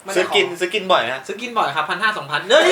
ซื้อกินบ่อยนะซื้อกินบ่อยครับ1,500-2,000เฮ้ย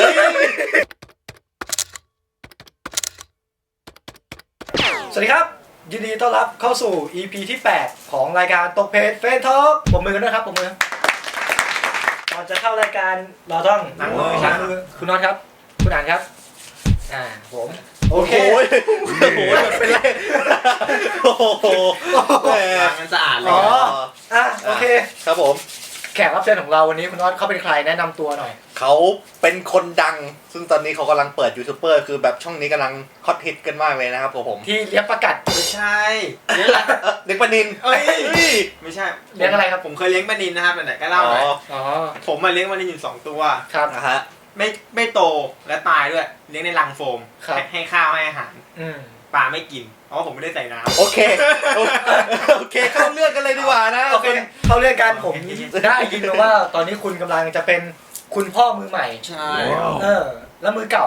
สวัสดีครับยินดีต้อนรับเข้าสู่ EP ที่ 8 ของรายการตกเพจเฟนทอล์กปรบมือกันด้วยครับปรบมือก่อนจะเข้ารายการเราต้องล้างมือคุณน็อตครับคุณอ่านครับผมโอเคโอ้โหเป็นไรโอ้โหล้างกันสะอาดเลยโอเคครับผมแขกรับเชิญของเราวันนี้คุณน็อตเขาเป็นใครแนะนำตัวหน่อยเขาเป็นคนดังซึ่งตอนนี้เขากำลังเปิดยูทูบเบอร์คือแบบช่องนี้กำลังฮอตฮิตกันมากเลยนะครับผมที่เลี้ยงประกัดไม่ใช่เลี้ยงอะไรเลี้ยงปลานิลไม่ใช่เลี้ยงอะไรครับผมเคยเลี้ยงปลานิลนะครับไหนๆก็เล่าหน่อยผมมาเลี้ยงปลานิลอยู่2ตัวครับนะฮะไม่โตและตายด้วยเลี้ยงในรังโฟมให้ข้าวให้อาหารปลาไม่กินเพราะว่าผมไม่ได้ใส่น้ำโอเคเข้าเรื่องกันเลยดีกว่านะโอเคเข้าเรื่องกันผมได้ยินมาว่าตอนนี้คุณกำลังจะเป็นคุณพ่อมือใหม่ใช่แล้วมือเก่า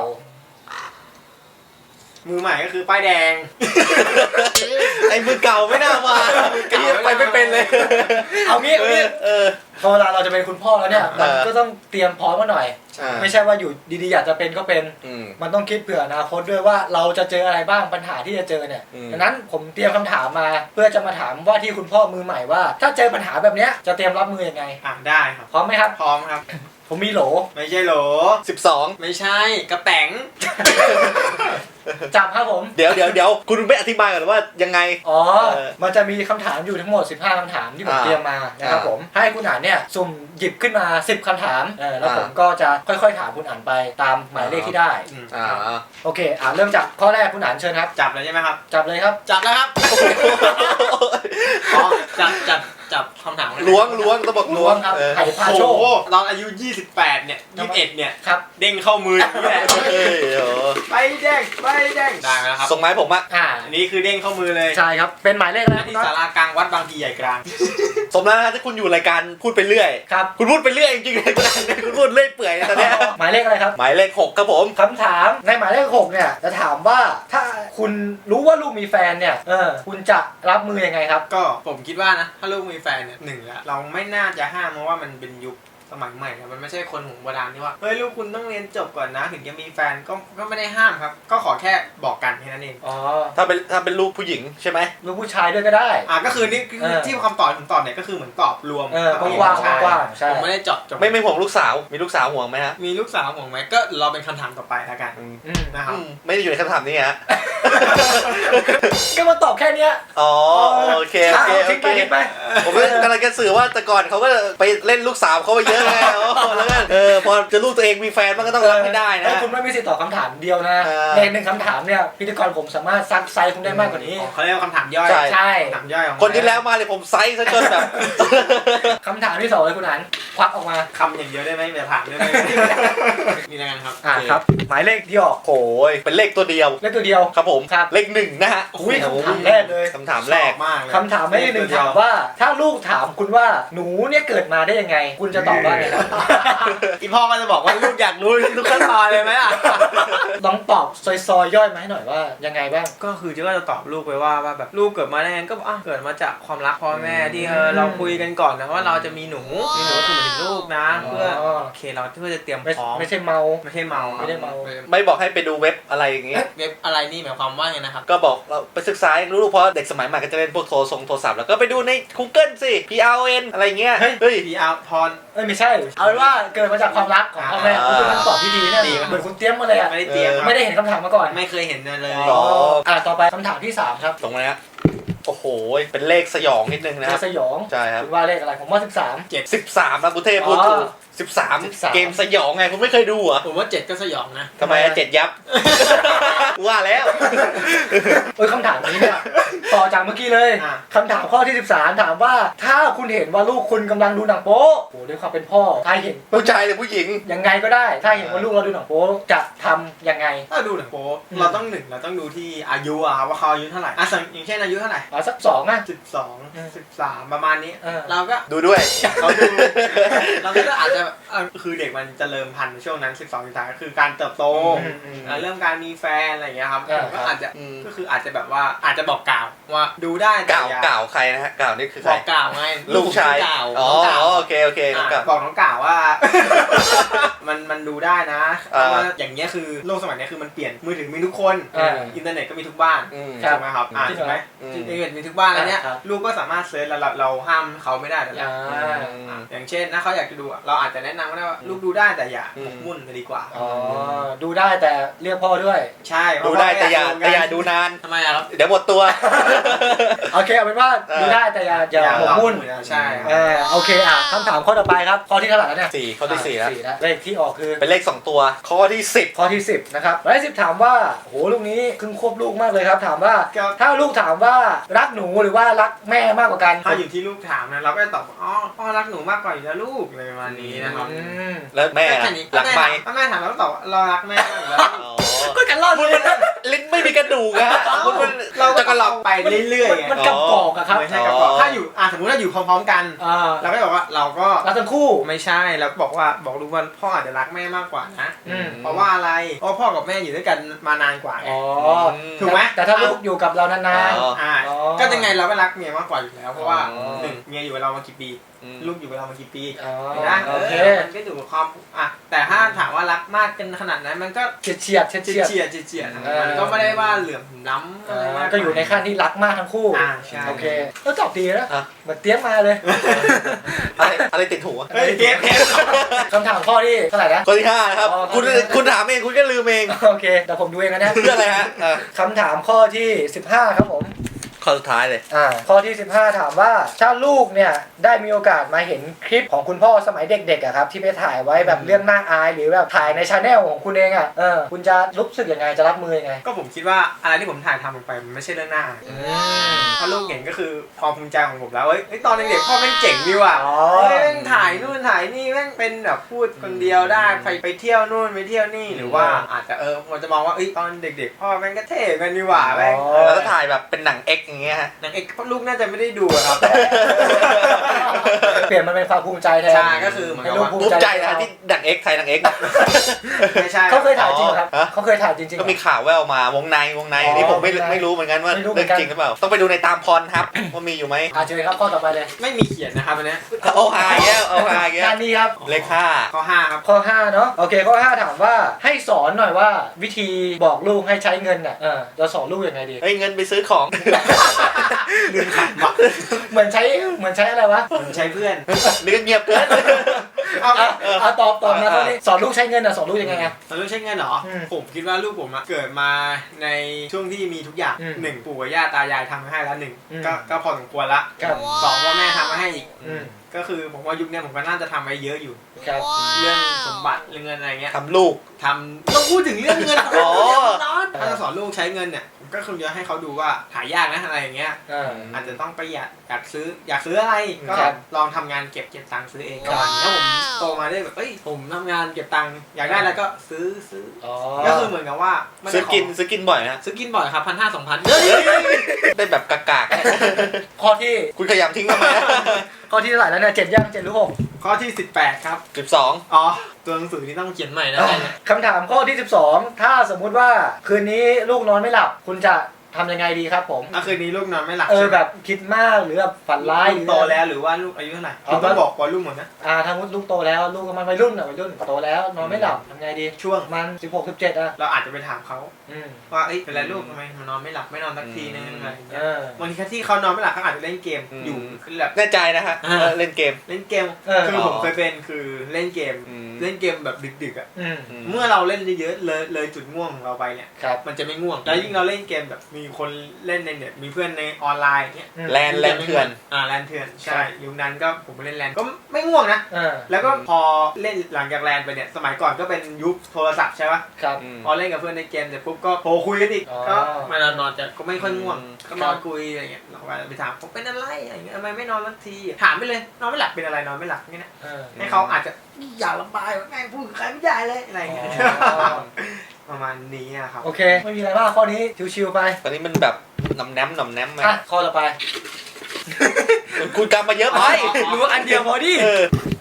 มือใหม่ก็คือป้ายแดงไอ้มือเก่าไม่น่ามาไปไม่เป็นเลยเอางี้พอเวลาเราจะเป็นคุณพ่อแล้วเนี่ยมันก็ต้องเตรียมพร้อมมาหน่อยไม่ใช่ว่าอยู่ดีๆอยากจะเป็นก็เป็นมันต้องคิดเผื่ออนาคตด้วยว่าเราจะเจออะไรบ้างปัญหาที่จะเจอเนี่ยดังนั้นผมเตรียมคำถามมาเพื่อจะมาถามว่าที่คุณพ่อมือใหม่ว่าถ้าเจอปัญหาแบบนี้จะเตรียมรับมือยังไงได้ครับพร้อมไหมครับพร้อมครับผมมีโหลไม่ใช่โหล 12 ไม่ใช่กระแป๋งจับครับผมเดี๋ยวคุณไม่อธิบายก่อนว่ายังไงมันจะมีคำถามอยู่ทั้งหมด15คำถามที่ผมเตรียมมานะครับผมให้คุณอ่านเนี่ยสุ่มหยิบขึ้นมา10คำถามแล้วผมก็จะค่อยๆถามคุณอ่านไปตามหมายเลขที่ได้โอเคเริ่มจากข้อแรกคุณอ่านเชิญครับจับเลยใช่ไหมครับจับเลยครับจับแล้วครับจับคำถามล้วงต้องบอกล้วงครับไข่พาโชคเราอายุ28เนี่ย21เนี่ยครับเด้งเข้ามือนี่แหละใบแดงได้แล้วครับส่งไม้ผมอันนี้คือเด้งเข้ามือเลยใช่ครับเป็นหมายเลขอะไรที่ศาลากลางวัดบางพีใหญ่กลางสมแล้วนะที่คุณอยู่รายการพูดไปเรื่อยครับคุณพูดไปเรื่อยจริงๆเลยคุณพูดเรื่อยเปื่อยตอนนี้หมายเลขอะไรครับหมายเลข6ครับผมคำถามในหมายเลข6เนี่ยจะถามว่าถ้าคุณรู้ว่าลูกมีแฟนเนี่ยคุณจะรับมือยังไงครับก็ผมคิดว่านะถ้าลูกมีแฟนเนี่ยเราไม่น่าจะห้ามเพราะว่ามันเป็นยุคสมัยใหม่นะมันไม่ใช่คนโบราณที่ว่าเฮ้ยลูกคุณต้องเรียนจบก่อนนะถึงจะมีแฟนก็ไม่ได้ห้ามครับก็ขอแค่บอกกันแค่นั้นเองถ้าเป็นลูกผู้หญิงใช่ไหมลูกผู้ชายด้วยก็ได้ก็คือนี่ที่คำตอบผมตอบเนี่ยก็คือเหมือนตอบรวมกว้างใช่ผมไม่ได้เจาะจงไม่ห่วงลูกสาวมีลูกสาวห่วงไหมฮะมีลูกสาวห่วงไหมก็เราเป็นคำถามต่อไปแล้วกันนะครับไม่ได้อยู่ในคำถามนี้ฮะก็มาตอบแค่นี้โอเคผมกำลังจะสื่อว่าแต่ก่อนเขาก็ไปเล่นลูกสาวเขาไปเยอะไงแล้วก็พอจะลูกตัวเองมีแฟนมันก็ต้องรับให้ได้นะคุณไม่มีสิทธิ์ตอบคำถามเดียวนะในหนึ่งคำถามเนี่ยพิธีกรผมสามารถซักไซส์คุณได้มากกว่านี้เขาเรียกว่าคำถามย่อยใช่คำถามย่อยคนที่แล้วมาเลยผมไซส์ซะจนแบบคำถามที่2เลยคุณอันควักออกมาคำอย่างเดียวได้ไหมเดี๋ยวถามได้ไหมนี่แล้วกันครับครับหมายเลขที่ออกโอ้ยเป็นเลขตัวเดียวครับผมเลข1นะฮะอุ้ยคำถามแรกเลยคำถามแรกมากคำถามไม่ได้หนึ่งถามว่าถ้าลูกถามคุณว่าหนูเนี่ยเกิดมาได้ยังไงคุณจะตอบว่าไงครับอีพ่อก็จะบอกว่าลูกอยากรู้ทุกขั้นตอนเลยไหมต้องตอบซอยย่อยมาให้หน่อยว่ายังไงบ้างก็คือจะตอบลูกไปว่าแบบลูกเกิดมาได้ไงก็เกิดมาจากความรักพ่อแม่ที่เราคุยกันก่อนนะว่าเราจะมีหนูก็คือหมายถึงลูกนะเพื่อโอเคเราเพื่อจะเตรียมพร้อมไม่ใช่เมาไม่บอกให้ไปดูเว็บอะไรอย่างงี้เว็บอะไรนี่หมายความว่าไงนะครับก็บอกเราไปศึกษารู้เพราะเด็กสมัยใหม่ก็จะเล่นพวกโทรศัพท์แล้วก็ไปดูใน Google สิ PRN อะไรเงี้ยเฮ้ย PR พรไม่ใช่เอาเป็นว่าเกิดมาจากความรักของพ่อแม่คุณเป็นคำตอบที่ดีเนี่ยเหมือนคุณเตรียมมาเลยไม่ได้เตรียมไม่ได้เห็นคำถามมาก่อนไม่เคยเห็นเลยต่อไปคำถามที่3ครับตรงนี้โอ้โหเป็นเลขสยองนิดนึงนะสยองใช่ครับคุณว่าเลขอะไรผมว่า 13นะคุณเทพพูดถูก13เกมสยองไงคุณไม่เคยดูเหรอผมว่า7ก็สยองนะทำไม7ยับว่าแล้วคำถามนี้เนี่ยต่อจากเมื่อกี้เลยคำถามข้อที่13ถามว่าถ้าคุณเห็นว่าลูกคุณกำลังดูหนังโป๊โอ้ด้วยความเป็นพ่อถ้าเห็นผู้ชายหรือผู้หญิงยังไงก็ได้ถ้าเห็นว่าลูกเราดูหนังโป๊จะทำยังไงถ้าดูหนังโป๊เราต้องดูที่อายุว่าเขาอายุเท่าไหร่อย่างเช่นอายุเท่าไหร่สัก12 13ประมาณนี้เราก็ดูด้วยเราก็อาจจะคือเด็กมันเจริญพันธุ์ช่วงนั้น12-13ก็คือการเติบโตเรื่องการมีแฟนอะไรอย่างเงี้ยครับก็อาจจะก็คืออาจจะแบบว่าอาจจะบอกกล่าวว่าดูได้แต่อย่ากล่าวใครนะฮะกล่าวนี่คือใครบอกกล่าวไงลูกชายกล่าวอ๋อน้องกล่าวโอเคน้องกล่าวบอกน้องกล่าวว่า มันดูได้นะเพราะว่าอย่างเงี้ยคือโลกสมัยนี้คือมันเปลี่ยนมือถือมีทุกคนอินเทอร์เน็ตก็มีทุกบ้านใช่ไหมครับใช่ไหมอินเทอร์เน็ตมีทุกบ้านแล้วเนี่ยลูกก็สามารถเซิร์ชแล้วเราห้ามเขาไม่ได้แล้วอย่างเช่นถ้าเขาอยากจะดูเราอาจจะแนะนำว่าลูกดูได้แต่อย่าหมกมุ่นจะดีกว่าดูได้แต่เรียกพ่อด้วยใช่ดูได้แต่อย่าดูนานทำไมครับเดี๋ยวหมดตัวโอเคเอาเป็นว่าดูได้แต่อย่าหมกมุ่นใช่โอเคคำถามข้อต่อไปครับข้อที่เท่าไหร่แล้วเนี่ย 4ข้อที่4แล้วเลขที่ออกคือเป็นเลข2ตัวข้อที่10 ข้อที่10นะครับเลข10ถามว่าโหลูกนี้ครึ่งควบลูกมากเลยครับถามว่าถ้าลูกถามว่ารักหนูหรือว่ารักแม่มากกว่ากันถ้าอยู่ที่ลูกถามนะเราก็จะตอบอ๋อพ่อรักหนูมากกว่าอยู่แล้วลูกอะไรประมาณนี้นะครับแล้วแม่รักไหมถ้าแม่ถามเราก็ตอบเรารักแม่อยู่แล้วก็กันรอดเลยลิ้นไม่มีกระดูกอะเราจะกระหล่ำไปเรื่อยๆมันกระปอกอะครับไม่ใช่กระปอกถ้าอยู่สมมติว่าอยู่พร้อมๆกันเราก็บอกว่าเราก็รักทั้งคู่ไม่ใช่เราก็บอกลูกว่าพ่ออาจจะรักแม่มากกว่านะเพราะว่าอะไรเพราะพ่อกับแม่อยู่ด้วยกันมานานกว่าไงถูกไหมแต่ถ้าลูกอยู่กับเรานานๆก็ยังไงเราก็รักเมียมากกว่าอยู่แล้วเพราะว่า1เมียอยู่กับเรามากี่ปีลูกอยู่กับเรามากี่ปีนะมันก็อยู่กับความแต่ถ้าถามว่ารักมากกันขนาดนั้นมันก็เฉียดมันก็ไม่ได้ว่าเหลื่อมล้ำอะไรมากก็อยู่ในขั้นที่รักมากทั้งคู่โอเคก็ตอบดีนะเหมือนเตี้ยมาเลยอะไรติดหูคำถามข้อที่เท่าไหร่นะข้อที่5นะครับคุณถามเองคุณก็ลืมเองโอเคแต่ผมดูเองนะเพื่ออะไรฮะคำถามข้อที่15ครับผมข้อสุดท้ายเลยข้อที่15ถามว่าถ้าลูกเนี่ยได้มีโอกาสมาเห็นคลิปของคุณพ่อสมัยเด็กๆอะครับที่ไปถ่ายไว้แบบเรื่องน่าอายหรือแบบถ่ายในชาแนลของคุณเองอะคุณจะรู้สึกยังไงจะรับมือยังไงก็ผมคิดว่าอะไรที่ผมถ่ายทำลงไปมันไม่ใช่เรื่องน่าอายถ้าลูกเห็นก็คือความภูมิใจของผมแล้วตอนเด็กๆพ่อแม่งเจ๋งดีว่ะแม่งถ่ายนู่นถ่ายนี่แม่งเป็นแบบพูดคนเดียวได้ไปเที่ยวนู่นไปเที่ยวนี่หรือว่าอาจจะมันจะมองว่าตอนเด็กๆพ่อแม่งก็เท่กันดีว่ะแม่งแล้วถ่ายแบบเป็นหนัง X อย่างเงี้ยหนัง X ลูกน่าจะไม่ได้ดูครับเปลี่ยนมันเป็นความภูมิใจแทนใช่ก็คือเหมือนกับว่าภูมิใจนะที่หนัง X ไทยหนัง X ไม่ใช่เขาเคยถ่ายจริงครับเขาเคยถ่ายจริงก็มีข่าวแว่วมาวงในนี่ผมไม่รู้เหมือนกันว่าเรื่องจริงหรือเปล่าต้องไปดูในตามพรครับว่ามีอยู่ไหมเชิญครับข้อต่อไปเลยไม่มีเขียนนะครับอันนี้เอาหาแก้วด้านนี้ครับเลข5 ข้อ5ครับข้อ5เนาะโอเคข้อ5ถามว่าให้สอนหน่อยว่าวิธีบอกลูกให้ใช้เงินน่ะเราสอนลูกยังไงดีเงินไปซื้อของเหมือนใช้อะไรวะเหมือนใช้เพื่อนนี่ก็เงียบเกินเอาตอบนะตอนนี้สอนลูกใช้เงินสอนลูกยังไงสอนลูกใช้เงินเหรอผมคิดว่าลูกผมเกิดมาในช่วงที่มีทุกอย่าง1ปู่กับย่าตายายทำให้แล้ว1ก็พอสมควรละ2พ่อแม่ทำมาให้อีกก็คือผมว่ายุคนี้ผมก็น่าจะทำไว้เยอะอยู่เรื่องสมบัติเรื่องเงินอะไรเงี้ยทำลูกต้องพูดถึงเรื่องเงินถ้าจะสอนลูกใช้เงินเนี่ยก็คือจะให้เขาดูว่าหายากนะอะไรอย่างเงี้ยอาจจะต้องประหยัดอยากซื้ออะไรก็ลองทำงานเก็บตังค์ซื้อเองก่อนแล้วผมโตมาได้แบบผมทำงานเก็บตังค์อยากได้แล้วก็ซื้อก็คือเหมือนกับว่าซื้อกินบ่อยนะซื้อกินบ่อยครับ1,500-2,000 ได้แบบกากๆข้อที่คุณขยำทิ้งทำไมข้อที่เท่าไหร่แล้วเนี่ย7ยัง7หรือ6 ข้อที่18ครับ 12 ตัวหนังสือที่ต้องเขียนใหม่นะคำถามข้อที่12ถ้าสมมุติว่าคืนนี้ลูกนอนไม่หลับคุณจะทำยังไงดีครับผมคืนนี้ลูกนอนไม่หลับแบบคิดมากหรือแบบฝันร้ายโตแล้วหรือว่าลูกอายุเท่าไหร่คุณต้องบอกว่าลูกหมดนะถ้าลูกโตแล้วลูกมันวัยรุ่นโตแล้วนอนไม่หลับทำไงดีช่วงมัน16-17 เราอาจจะไปถามเขาว่าเป็นไรลูกทำไมมันนอนไม่หลับไม่นอนสักทีนึงอะไรอย่างเงี้ยบางทีที่เขานอนไม่หลับเขาอาจจะเล่นเกมอยู่คือแบบแน่ใจนะฮะเล่นเกมคือผมเคยเป็นคือเล่นเกมแบบดึกๆเมื่อเราเล่นเยอะๆเลยจุดง่วงของเราไปเนี่ยมันจะไม่ง่วงแล้วยิ่งเราเล่นเกมแบบมีคนเล่นในเน็ตมีเพื่อนในออนไลน์เนี่ยแลนเถื่อนแลนเถื่อนใช่ยุคนั้นก็ผมไปเล่นแลนก็ไม่ง่วงนะแล้วก็พอเล่นหลังจากแลนไปเนี่ยสมัยก่อนก็เป็นยุคโทรศัพท์ใช่ปะพอเล่นกับเพื่อนในเกมเสร็จปุ๊บก็โทรคุยกันอีกก็มานอนจะก็ไม่ค่อยง่วงก็นอนคุยอะไรเงี้ยเราไปถามผมเป็นอะไรอะไรเงี้ยทำไมไม่นอนสักทีถามไปเลยนอนไม่หลับเป็นอะไรนอนไม่หลับงี้นะให้เขาอาจจะอย่าระบายแม่งพูดใครไม่ได้เลยอะไรเงี้ยประมาณนี้ครับโอเคไม่มีอะไรมากข้อนี้ชิวๆไปตอนนี้มันแบบหน่อมแนมไหมข้อต่อไปคุณกำมาเยอะไปรู้อันเดียวพอดิ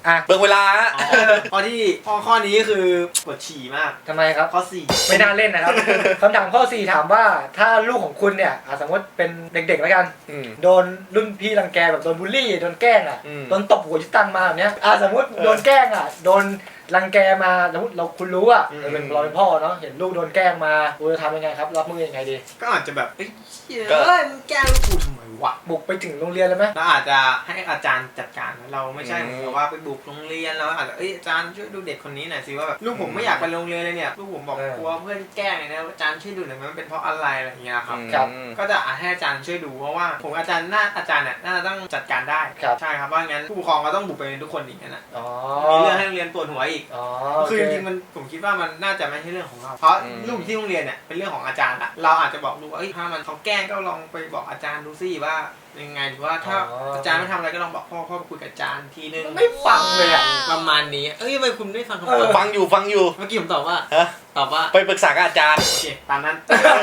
เบิ่งเวลาฮะข้อที่ข้อนี้คือปวดฉี่มากทำไมครับข้อ4 ไม่น่าเล่นนะครับ คำถามข้อ 4 ถามว่าถ้าลูกของคุณเนี่ยสมมติเป็นเด็กๆแล้วกันโดนรุ่นพี่รังแกแบบโดนบูลลี่โดนแกล้งโดนตบหัวที่ตั้งมาแบบเนี้ยสมมติโดนแกล้งโดนรังแกมาสมมติคุณรู้เราเป็นพ่อเนาะเห็นลูกโดนแกล้งมาคุณจะทำยังไงครับรับมือยังไงดีก็อาจจะแบบเฮ้ยมึงแกล้งลูกกูทำไมวะบุกไปถึงโรงเรียนเลยไหมเราอาจจะให้อาจารย์จัดการเราไม่ใช่เหมือนกับว่าไปบุกโรงเรียนเราอาจจะอาจารย์ช่วยดูเด็กคนนี้หน่อยสิว่าแบบลูกผมไม่อยากไปโรงเรียนเลยเนี่ยลูกผมบอกกลัวเพื่อนแกล้งนะอาจารย์ช่วยดูหน่อยมันเป็นเพราะอะไรอะไรอย่างเงี้ยครับก็จะให้อาจารย์ช่วยดูเพราะว่าผมอาจารย์เนี่ยน่าจะต้องจัดการได้ใช่ครับว่างั้นผู้ปกครองก็ต้องบุกไปทุกคนอีกนะมีเรื่องให้โรงเรียนปวดหัวอีกคือจริงๆมันผมคิดว่ามันน่าจะไม่ใช่เรื่องของเราเพราะลูกที่โรงเรียนเนี่ยเป็นเรื่องของอาจารย์เราอาจจะบอกลูกว่าถ้ามันเขาแกล้งก็ลองไปบอกอาจารย์ดูสิว่ายังไงหรือว่าถ้าอาจารย์ไม่ทำอะไรก็ลองบอกพ่อไปคุยกับอาจารย์ทีนึงไม่ฟังเลยประมาณนี้ทำไมคุณไม่ฟังคำตอบฟังอยู่เมื่อกี้ผมตอบว่าไปปรึกษากับอาจารย์โอเคตามนั้น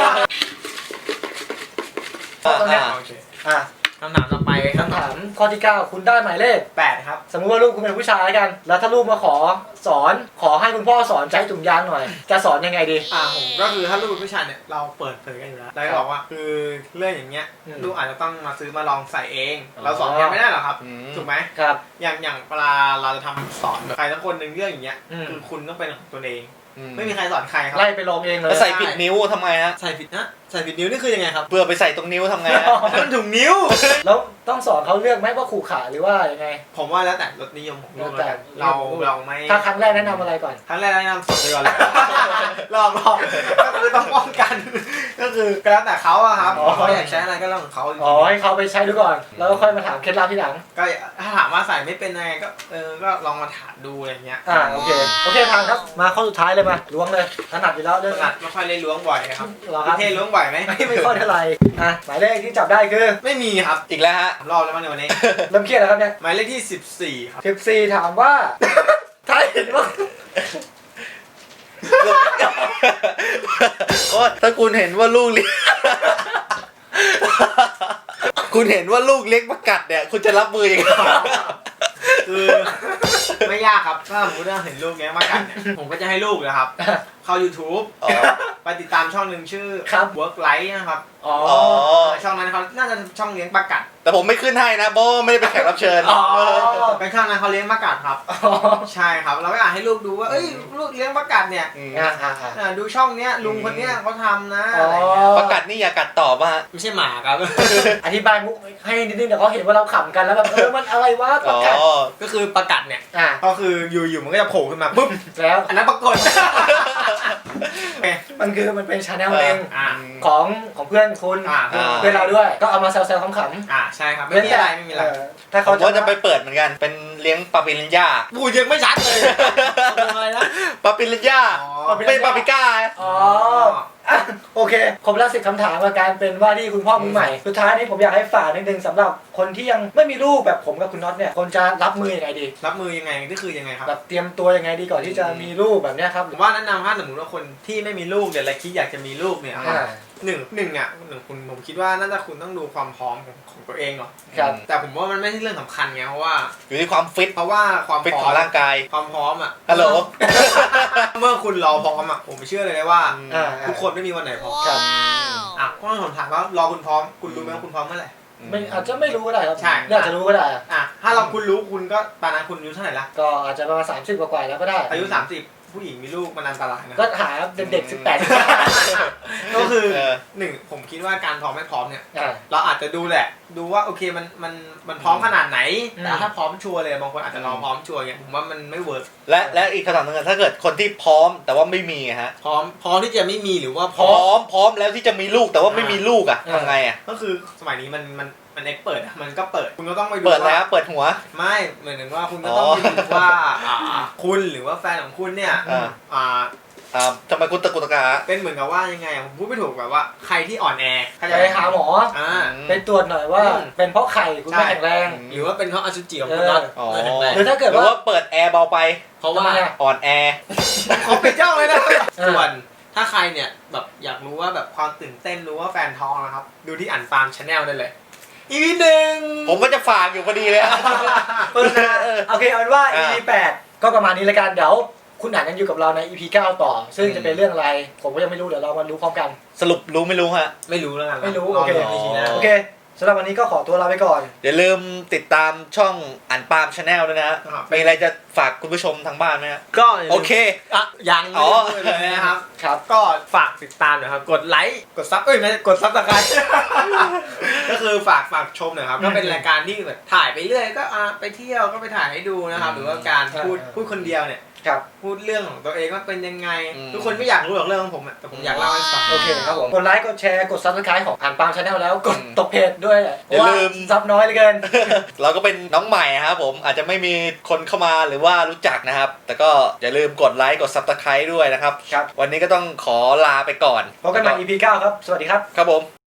ตอนนี้โอเคคำถามต่อไปคำถามข้อที่ 9คุณได้หมายเลข 8ครับสมมุติว่าลูกคุณเป็นผู้ชายกันแล้วถ้าลูกมาขอให้คุณพ่อสอนใช้ถุงยางหน่อยจะสอนยังไงดีผมก็คือถ้าลูกเป็นผู้ชายเนี่ยเราเปิดเผยกันอยู่แล้วเราบอกว่าคือเรื่องอย่างเงี้ยลูกอาจจะต้องมาซื้อมาลองใส่เองเราสอนยังไม่ได้หรอครับถูกไหมครับอย่างเวลาเราจะทำสอนใครสักคนหนึ่งเรื่องอย่างเงี้ยคือคุณต้องเป็นของตัวเองไม่มีใครสอนใครครับไล่ไปลองเองเลยใส่ผิดนิ้วทำไมฮะใส่ผิดนิ้วนี่คือยังไงครับเพื่อไปใส่ตรงนิ้วทำไงนั่นถุงนิ้วแล้วต้องสอนเขาเลือกไหมว่าขู่ขาหรือว่ายังไงผมว่าแล้วแต่รสนิยมของลูกเราไม่ถ้าครั้งแรกแนะนำอะไรก่อนครั้งแรกแนะนำสดไปก่อนเลยลองก็คือต้องป้องกันก็คือแล้วแต่เขาอะครับเขาอยากใช้อะไรก็เรื่องของเขาให้เขาไปใช้ดูก่อนแล้วก็ค่อยมาถามเคล็ดลับที่หลังก็ถ้าถามว่าใส่ไม่เป็นยังไงก็ลองมาถามดูอะไรเงี้ยโอเคทางครับมาข้อสุดท้ายเลยมาล้วงเลยถนัดอยู่แล้วเรื่องถนัดไม่ค่อยเล่นล้วงบ่อยครับประเทศล้วงบ่อยไหมไม่ค่อยเท่าไหร่หมายเลขที่จับได้คือไม่มีครับอีกแล้วฮะรอบแล้วมั้งในวันนี้เริ่มเครียดแล้วครับเนี่ยหมายเลขที่14ครับ 14ถามว่าถ้าเห็นว่าถ้าคุณเห็นว่าลูกเลี้ยงคุณเห็นว่าลูกเลี้ยงประกัดเนี่ยคุณจะรับมือยังไงคือไม่ยากครับถ้าผมจะเห็นลูกเลี้ยงประกัดเนี่ยผมก็จะให้ลูกนะครับเข้า YouTube ไปติดตามช่องหนึ่งชื่อ Work Life นะครับช่องนั้นเขาน่าจะช่องเลี้ยงปลากัดแต่ผมไม่ขึ้นให้นะโบไม่ได้เป็นแขกรับเชิญเป็นช่องนั้นเขาเลี้ยงปลากัดครับใช่ครับเราก็อยากให้ลูกดูว่าลูกเลี้ยงปลากัดเนี่ยดูช่องเนี้ยลุงคนเนี้ยเขาทำนะปลากัดนี่อย่ากัดต่อป่ะไม่ใช่หมาครับอธิบายมุกให้นิดนึงเดี๋ยวเขาเห็นว่าเราขำกันแล้วแบบมันอะไรวะปลากัดก็คือปลากัดเนี่ยก็คืออยู่มันก็จะโผล่ขึ้นมาปุ๊บแล้วอันนั้นปรากฏมันเป็นชาแนลเองของเพื่อนคุณเพื่อนเราด้วยก็เอามาแซวๆขำๆใช่ครับไม่มีอะไรถ้าเขาจะไปเปิดเหมือนกันเป็นเลี้ยงปลาปิรันย่าบูยังไม่ชัดเลยอะไรนะปลาปิรันย่าไม่ปลาปิก้าโอเคครบแล้ว10 คำถามกับการเป็นว่าที่คุณพ่อมือใหม่สุดท้ายนี้ผมอยากให้ฝากนิดนึงสำหรับคนที่ยังไม่มีลูกแบบผมกับคุณน็อตเนี่ยคนจะรับมือยังไงดีรับมือยังไงนี่คือยังไงครับแบบเตรียมตัวยังไงดีก่อนที่จะมีลูกแบบนี้ครับผมว่าแนะนำถ้าสมมติว่าคนที่ไม่มีลูกเนี่ยและคิดอยากจะมีลูกเนี่ยหนึ่งคุณผมคิดว่าน่าจะคุณต้องดูความพร้อมของตัวเองก่อนแต่ผมว่ามันไม่ใช่เรื่องสำคัญไงเพราะว่าอยู่ที่ความฟิตเพราะว่าความฟิตของร่างกายความพร้อมฮัลโหลเมื่อคุณรอพร้อมผมเชื่อเลยว่าทุกคนไม่มีวันไหนพร้อมก็ผมถามว่ารอคุณพร้อมคุณรู้ไหมว่าคุณพร้อมเมื่อไหร่ไม่อาจจะไม่รู้ก็ได้ครับใช่อาจจะรู้ก็ได้ถ้าคุณรู้คุณก็ตอนนั้นคุณอายุเท่าไหร่ละก็อาจจะประมาณ30 กว่าแล้วก็ได้อายุ30ผู้หญิงมีลูกมันอันตรายนะก็หาเด็กก็คือ1ผมคิดว่าการพร้อมไม่พร้อมเนี่ยเราอาจจะดูแหละดูว่าโอเคมันพร้อมขนาดไหนแต่ถ้าพร้อมชัวร์เลยบางคนอาจจะรอพร้อมชัวร์เนี่ยผมว่ามันไม่เวิร์กและอีกคำถามนึงถ้าเกิดคนที่พร้อมแต่ว่าไม่มีฮะพร้อมที่จะไม่มีหรือว่าพร้อมแล้วที่จะมีลูกแต่ว่าไม่มีลูกทำไงก็คือสมัยนี้มันเอ็กเปิดมันก็เปิดคุณก็ต้องไปดูเปิดแล้วเปิดหัวไม่เหมือนว่าคุณก็ต้องไปดูว่าคุณหรือว่าแฟนของคุณเนี่ยทำไมคุณตะกุตะกาเป็นเหมือนกับว่ายังไงผมพูดไม่ถูกแบบว่าใครที่อ่อนแอไปหาหมอไปตรวจหน่อยว่าเป็นเพราะไข่คุณไม่แข็งแรงหรือว่าเป็นเพราะอสุจิของคุณน็อตหรือถ้าเกิดว่าเปิดแอร์เบาไปเพราะว่าอ่อนแอเขาเป็นเจ้าเลยนะส่วนถ้าใครเนี่ยแบบอยากรู้ว่าแบบความตื่นเต้นรู้ว่าแฟนท้องนะครับดูที่อันฟาร์มชาแนลได้เลย EP หนึ่งผมก็จะฝากอยู่พอดีเลยโฆษณาโอเคเอาเป็นว่า EP 8ก็ประมาณนี้แล้วกันเดี๋ยวคุณอ่านกันอยู่กับเราใน EP 9 ต่อ ซึ่งจะเป็นเรื่องอะไรผมก็ยังไม่รู้เดี๋ยวเรามารู้พร้อมกันสรุปรู้ไม่รู้ฮะไม่รู้แล้วกันไม่รู้รโอเคดู EP หน้าโอเคสำหรับวันนี้ก็ขอตัวลาไปก่อนอย่าลืมติดตามช่องอันปาล์มชาแนลด้วยนะฮะมีอะไรจะฝากคุณผู้ชมทางบ้านไหมฮะก็โอเคยังไม่ได้พูดเลยนะครับครับก็ฝากติดตามหน่อยครับกดไลค์กดซับไม่กดซับสไครต์ ก็คือฝากชมหน่อยครับก็เป็นรายการที่แบบถ่ายไปเรื่อยก็ไปเที่ยวก็ไปถ่ายให้ดูนะครับหรือว่าการพูดคนเดียวเนี่ยครับพูดเรื่องของตัวเองว่าเป็นยังไงอืมทุกคนไม่อยากรู้หรอกเรื่องของผมอะแต่ผมอยากเล่าให้ฟังโอเคครับผมกดไลค์กดแชร์กด Subscribe ของอ่านปาล์มชาแนลแล้วกดตกเพจด้วยเพราะว่าซับน้อยเหลือเกินเราก็เป็นน้องใหม่ครับผมอาจจะไม่มีคนเข้ามาหรือว่ารู้จักนะครับ แต่ก็อย่าลืมกดไลค์กด Subscribe ด้วยนะครับครับวันนี้ก็ต้องขอลาไปก่อนพบกันใหม่ EP 9 ครับ สวัสดีครับครับผม